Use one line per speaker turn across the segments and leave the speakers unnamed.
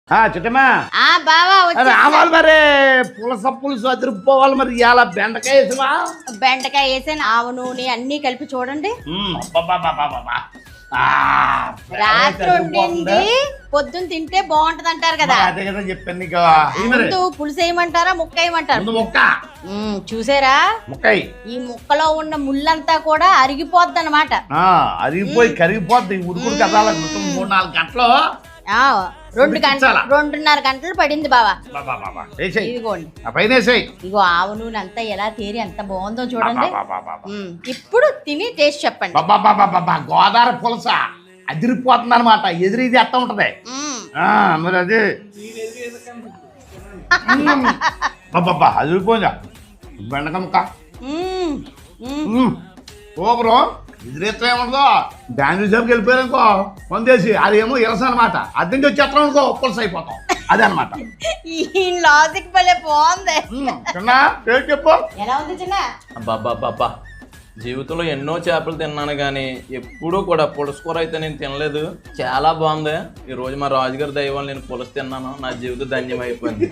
చిట్టమ్మా
బావా
రావాలి మరి పులుసు అదిరిపోవాలి మరి ఇలా బెండకాయ వేసివా
బెండకాయ వేసాను ఆవు నూనె అన్ని కలిపి చూడండి రాత్రి వండింది పొద్దున్న తింటే బాగుంటది అంటారు కదా
అదే కదా చెప్పాను నీకు
ముందు పులుసు వేయమంటారా ముక్క వేయమంటారు
ముక్క
చూసారా
ముక్కయి
ఈ ముక్కలో ఉన్న ముళ్ళంతా కూడా అరిగిపోద్ది అనమాట
అరిగిపోయి కరిగిపోద్ది ఉడుకుడు కదాల 3-4 గంటలు
2.5 గంటలు పడింది బావా ఇదిగోండి ఇగో ఆవు నూనె అంతా ఎలా తేరి ఎంత బాగుందో చూడండి ఇప్పుడు తిని టేస్ట్ చెప్పండి
గోదావరి పులస అదిరిపోతుంది అనమాట ఎదురీది ఎత్త ఉంటది మరి అది అదిరిపోయిందా బెండకాయ ముక్క సూపరు ఎదురెత్త ఏముందో డాన్స్ షాప్కి వెళ్ళిపోయారు అనుకో పొందేసి అదేమో ఇరస అనమాట అద్దె నుంచి వచ్చేస్తాం అనుకో పులస అయిపోతాం అదే అనమాట
ఈ లాజిక్ భలే బాగుంది
చిన్న పేరు చెప్పు
ఎలా ఉంది చిన్న
అబ్బా జీవితంలో ఎన్నో చేపలు తిన్నాను కానీ ఎప్పుడూ కూడా పులుసు కూర అయితే నేను తినలేదు. చాలా బాగుంది. ఈ రోజు మా రాజుగారి దైవం నేను పులుసు తిన్నాను. నా జీవితం ధన్యం అయిపోయింది.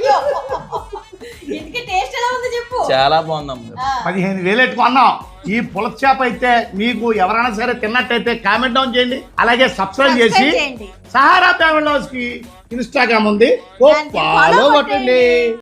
చాలా బాగుందమ్మా.
15,000 ఎట్టుకున్నాం. ఈ పులస చేప అయితే మీకు ఎవరైనా సరే తిన్నట్టయితే కామెంట్ డౌన్ చేయండి. అలాగే సబ్స్క్రైబ్ చేసి సహారా ఫ్యామిలీ హౌస్ కి ఇన్స్టాగ్రామ్ ఉంది, ఫాలో కొట్టండి.